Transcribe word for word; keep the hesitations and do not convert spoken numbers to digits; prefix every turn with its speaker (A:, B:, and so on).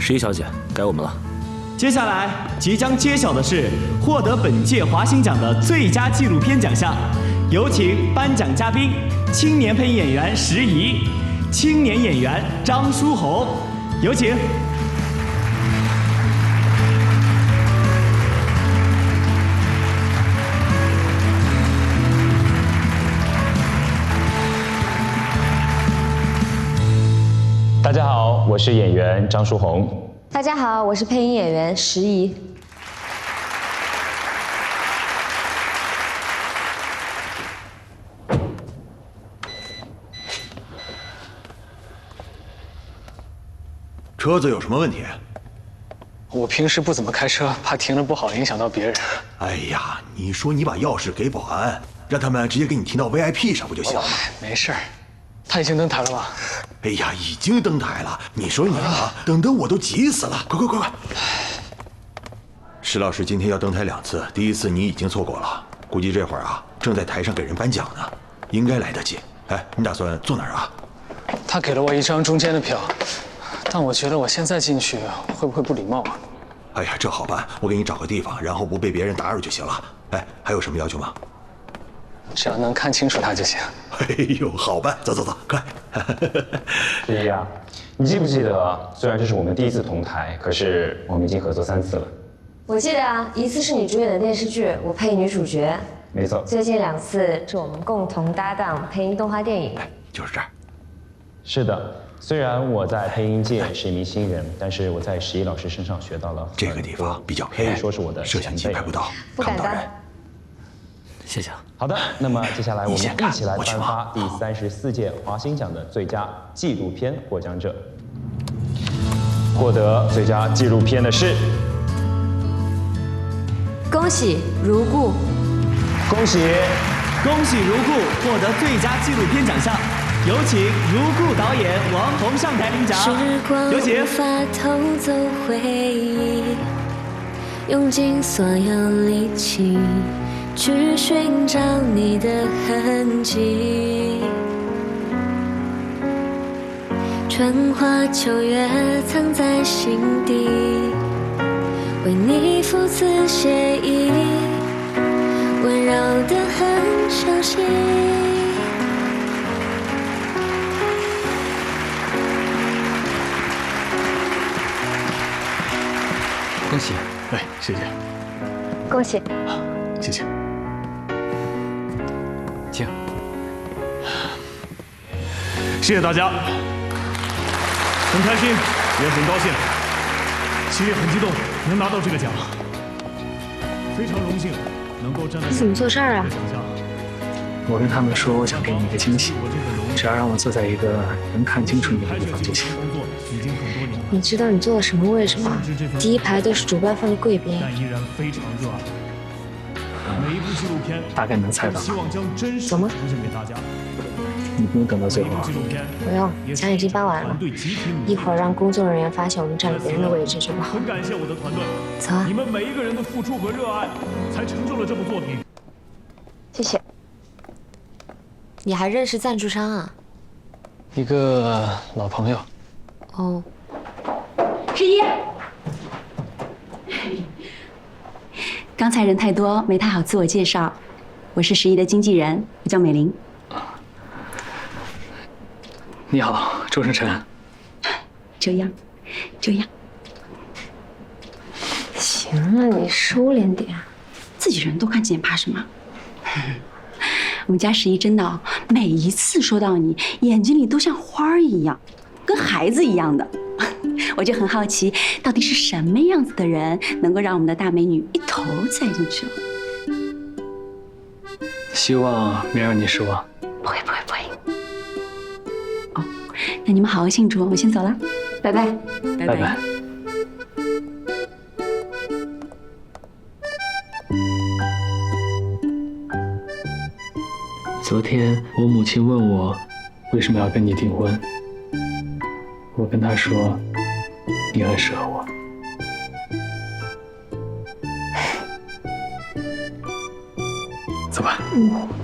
A: 十一小姐，该我们了。
B: 接下来即将揭晓的是获得本届华星奖的最佳纪录片奖项，有请颁奖嘉宾：青年配音演员石怡，青年演员张书红，有请。
C: 大家好，我是演员张书红。
D: 大家好，我是配音演员石怡。
E: 车子有什么问题？
F: 我平时不怎么开车，怕停了不好影响到别人。
E: 哎呀，你说你把钥匙给保安，让他们直接给你停到 V I P 上不就行了吗？
F: 没事儿。 他已经登台了吗？
E: 哎呀，已经登台了。你说你啊，等得我都急死了。快快快快！石老师今天要登台两次，第一次你已经错过了，估计这会儿啊正在台上给人颁奖呢，应该来得及。哎，你打算坐哪儿啊？
F: 他给了我一张中间的票，但我觉得我现在进去会不会不礼貌啊？
E: 哎呀，这好办，我给你找个地方，然后不被别人打扰就行了。哎，还有什么要求吗？
F: 只要能看清楚他就行。
E: 哎呦，好办，走走走，快！
C: 十一啊，你记不记得？虽然这是我们第一次同台，可是我们已经合作三次了。
D: 我记得啊，一次是你主演的电视剧，我配女主角。
C: 没错。
D: 最近两次是我们共同搭档配音动画电影。
E: 哎，就是这儿。
C: 是的，虽然我在配音界是一名新人，但是我在十一老师身上学到了
E: 这个地方比较
C: 可以说是我的
E: 摄像机拍不到，
D: 不敢当。
A: 谢谢。
C: 好的，那么接下来我们一起来颁发第三十四届华星奖的最佳纪录片获奖者。获得最佳纪录片的是，
D: 恭喜如故，
C: 恭喜，
B: 恭喜如故获得最佳纪录片奖项，有请如故导演王红上台领奖。有请。
G: 无法偷走回忆，用尽所有力气。 去寻找你的痕迹，春花秋月藏在心底，为你赋词写意，温柔的很熟悉。
F: 恭喜！哎，谢谢。
D: 恭喜！
F: 谢谢。
A: 请，
H: 谢谢大家，很开心，也很高兴，心里很激动，能拿到这个奖，非常荣幸能够站在。
D: 你怎么做事儿啊？
F: 我跟他们说，我想给你一个惊喜，只要让我坐在一个能看清楚你的地方就行。
D: 你知道你坐的什么位置吗？第一排都是主办方的贵宾。
H: 但依然非常热爱。 每一部纪录片
F: 大概能猜到。
H: 希望将真实
D: 怎么
H: 呈现给大家。
F: 你不用等到最后。
D: 不用，奖已经颁完了。一会儿让工作人员发现我们占了别人的位置就不好。
H: 很感谢我的团队，
D: 走啊！
H: 你们每一个人的付出和热爱，才成就了这部作品。
D: 谢谢。你还认识赞助商啊？
F: 一个老朋友。
D: 哦。
I: 十一。 刚才人太多，没太好自我介绍。我是十一的经纪人，我叫美玲。
F: 你好，周晨晨。
I: 这样，这样。
D: 行了，你收敛点。
I: 自己人都看见，怕什么？我们家十一真的，每一次说到你，眼睛里都像花儿一样，跟孩子一样的。 我就很好奇，到底是什么样子的人能够让我们的大美女一头栽进去了？
F: 希望没让你失望。
I: 不会，不会，不会。哦，那你们好好庆祝，我先走了，拜拜，拜
F: 拜拜。昨天我母亲问我为什么要跟你订婚，我跟她说。 你很适合我。走吧。嗯。